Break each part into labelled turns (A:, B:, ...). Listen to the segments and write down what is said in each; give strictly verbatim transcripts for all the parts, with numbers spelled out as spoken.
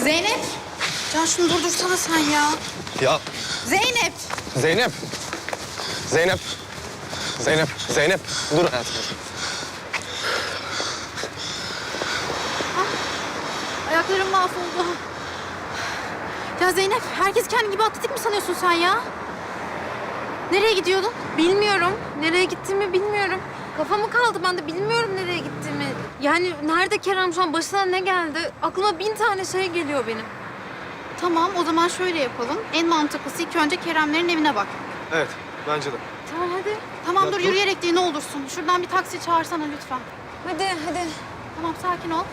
A: Zeynep. Can şunu durdursana sen ya.
B: Ya
A: Zeynep.
B: Zeynep. Zeynep. Zeynep. Zeynep. Dur hayatım.
A: Ayaklarım mahvoldu. Ya Zeynep, herkes kendi gibi atletik mi sanıyorsun sen ya? Nereye gidiyordun?
C: Bilmiyorum. Nereye gittiğimi bilmiyorum. Kafamı kaldı ben de bilmiyorum nereye gittiğimi. Yani nerede Kerem şu an başına ne geldi? Aklıma bin tane şey geliyor benim.
A: Tamam, o zaman şöyle yapalım. En mantıklısı ilk önce Keremlerin evine bak.
B: Evet, bence de.
C: Tamam hadi.
A: Tamam
B: Ya
A: dur,
B: dur.
A: yürüyerek değil ne olursun. Şuradan bir taksi çağırsana lütfen.
C: Hadi hadi.
A: Tamam, sakin ol.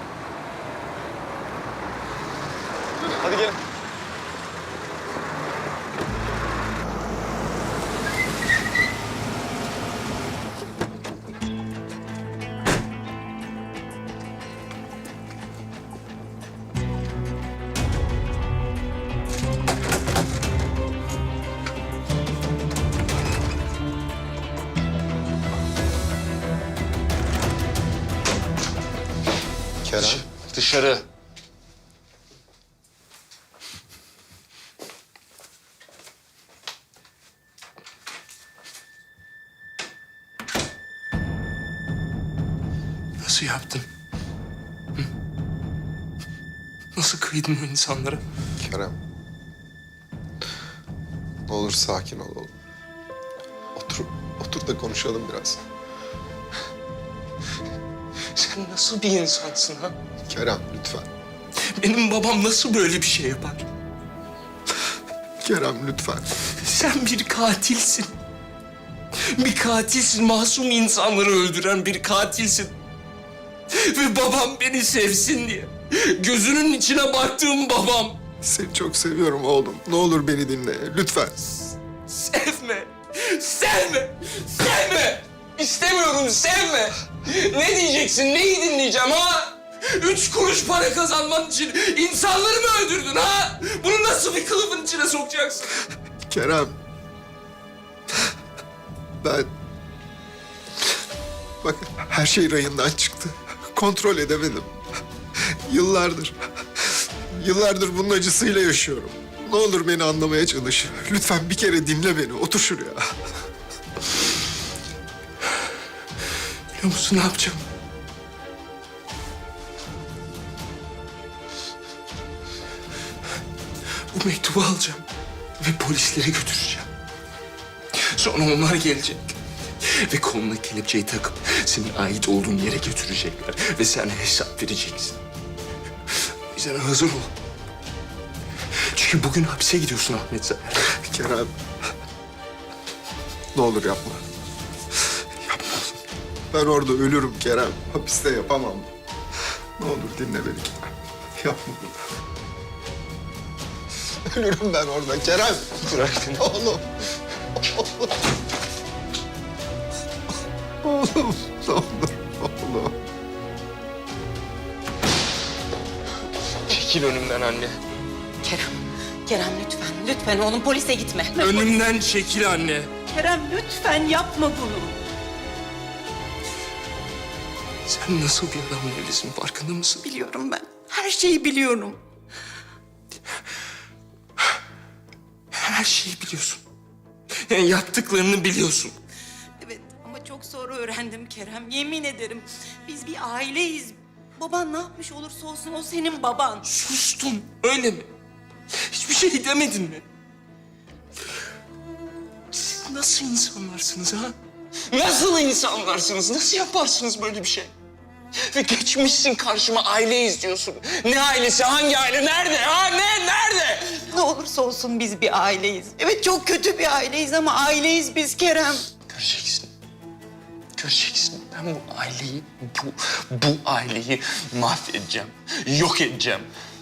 B: Hadi gelin.
D: Kerem.
E: Dışarı. Nasıl yaptın? Hı? Nasıl kıydın o insanlara?
D: Kerem. Ne olur sakin ol oğlum. Otur, otur da konuşalım biraz.
E: Sen nasıl bir insansın ha?
D: Kerem lütfen.
E: Benim babam nasıl böyle bir şey yapar?
D: Kerem lütfen.
E: Sen bir katilsin. Bir katilsin, masum insanları öldüren bir katilsin. Ve babam beni sevsin diye. Gözünün içine baktığım babam.
D: Seni çok seviyorum oğlum. Ne olur beni dinle lütfen.
E: Sevme, sevme, sevme. İstemiyorum, sevme. Ne diyeceksin, neyi dinleyeceğim ha? Üç kuruş para kazanman için insanları mı öldürdün ha? Bunu nasıl bir kılıfın içine sokacaksın?
D: Kerem. Ben... Bak her şey rayından çıktı. Kontrol edemedim. Yıllardır... Yıllardır bunun acısıyla yaşıyorum. Ne olur beni anlamaya çalış. Lütfen bir kere dinle beni. Otur şuraya.
E: Biliyor musun ne yapacağım? Bu mektubu alacağım ve polislere götüreceğim. Sonra onlar gelecek ve koluna kelepçeyi takıp senin ait olduğun yere götürecekler ve sen hesap vereceksin. O yüzden hazır ol. Çünkü bugün hapse gidiyorsun Ahmet Zafer.
D: Kerem. Ne olur yapma. Yapma. Ben orada ölürüm Kerem. Hapiste yapamam. Ne olur dinle beni Kerem. Yapma bunu. Ölürüm ben orada Kerem.
E: Bırak beni.
D: Oğlum. Oğlum. Oğlum. Ne olur. Oğlum.
E: Çekil önümden anne.
F: Kerem, Kerem lütfen, lütfen oğlum polise gitme.
E: Önümden çekil anne.
F: Kerem lütfen yapma bunu.
E: Sen nasıl bir adamla evlisin farkında mısın?
F: Biliyorum ben, her şeyi biliyorum.
E: Her şeyi biliyorsun. Yani yaptıklarını biliyorsun.
F: Evet ama çok sonra öğrendim Kerem, yemin ederim. Biz bir aileyiz. Baban ne yapmış olursa olsun o senin baban.
E: Sustun öyle mi? Hiçbir şey demedin mi? Siz nasıl insanlarsınız ha? Nasıl insanlarsınız? Nasıl yaparsınız böyle bir şey? Ve geçmişsin karşıma aileyiz diyorsun. Ne ailesi? Hangi aile? Nerede? Ha ne? Nerede?
F: Ne olursa olsun biz bir aileyiz. Evet çok kötü bir aileyiz ama aileyiz biz Kerem.
E: Göreceksin. Göreceksin. Ben bu aileyi, bu, bu aileyi mahvedeceğim. Yok edeceğim.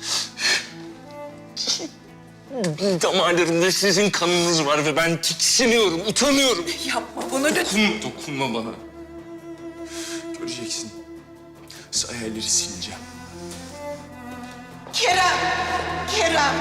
E: Damarlarımda sizin kanınız var ve ben tiksiniyorum, utanıyorum.
F: Yapma bunu lütfen.
E: Dokunma, dokunma bana. Göreceksin. Hayalleri sileceğim.
F: Kerem, Kerem.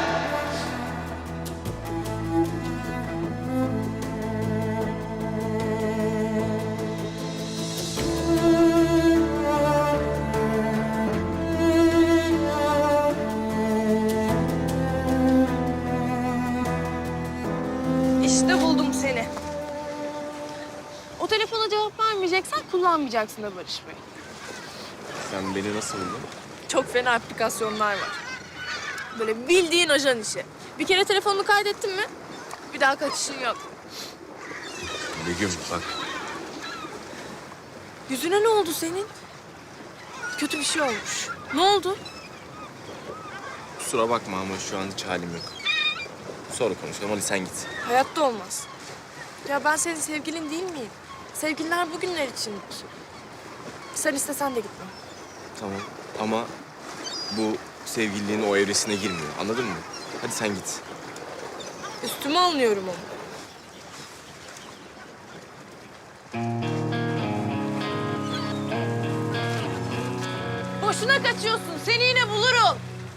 G: kullanmayacaksın da Barış Bey.
B: Sen beni nasıl buldun?
G: Çok fena aplikasyonlar var. Böyle bildiğin ajan işi. Bir kere telefonunu kaydettin mi bir daha kaçışın yok.
B: Begüm bak.
G: Yüzüne ne oldu senin? Kötü bir şey olmuş. Ne oldu?
B: Kusura bakma ama şu an hiç halim yok. Sonra konuşalım, hadi sen git.
G: Hayatta olmaz. Ya ben senin sevgilin değil miyim? Sevgililer bugünler içindir. Sen istesen de gitme.
B: Tamam ama bu sevgililiğin o evresine girmiyor, anladın mı? Hadi sen git.
G: Üstüme alınıyorum onu. Boşuna kaçıyorsun. Seni yine bulurum.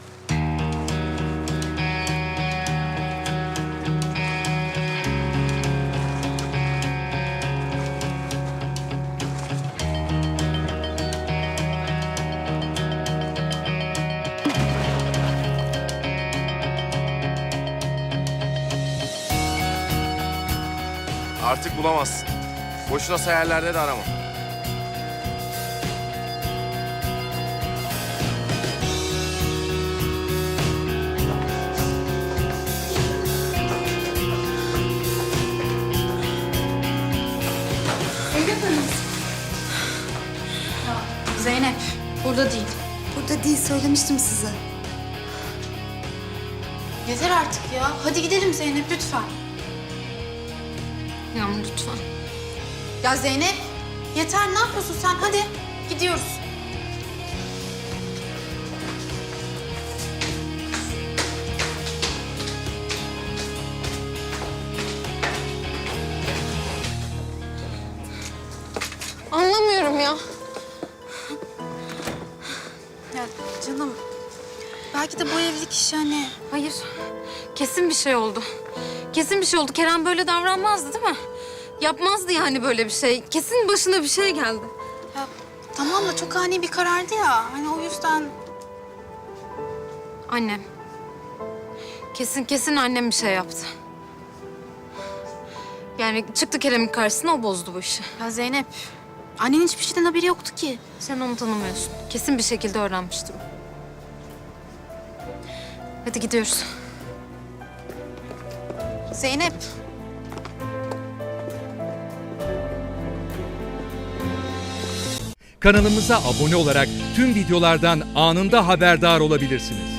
B: Artık bulamazsın. Boşuna sayarlarda de arama.
A: Zeynep burada değil.
H: Burada değil, söylemiştim size.
A: Yeter artık ya. Hadi gidelim Zeynep lütfen.
C: Yağmur lütfen.
A: Ya Zeynep yeter, ne yapıyorsun sen? Hadi gidiyoruz.
C: Anlamıyorum ya.
A: Ya canım belki de bu evlilik işi hani...
C: Hayır. Kesin bir şey oldu. Kesin bir şey oldu. Kerem böyle davranmazdı değil mi? Yapmazdı yani böyle bir şey. Kesin başına bir şey geldi.
A: Ya tamam da çok ani bir karardı ya. Hani o yüzden...
C: Annem. Kesin kesin annem bir şey yaptı. Yani çıktı Kerem'in karşısına, o bozdu bu işi.
A: Ya Zeynep annenin hiçbir şeyden haberi yoktu ki.
C: Sen onu tanımıyorsun. Kesin bir şekilde öğrenmiştir o. Hadi gidiyoruz.
A: Zeynep.
I: Kanalımıza abone olarak tüm videolardan anında haberdar olabilirsiniz.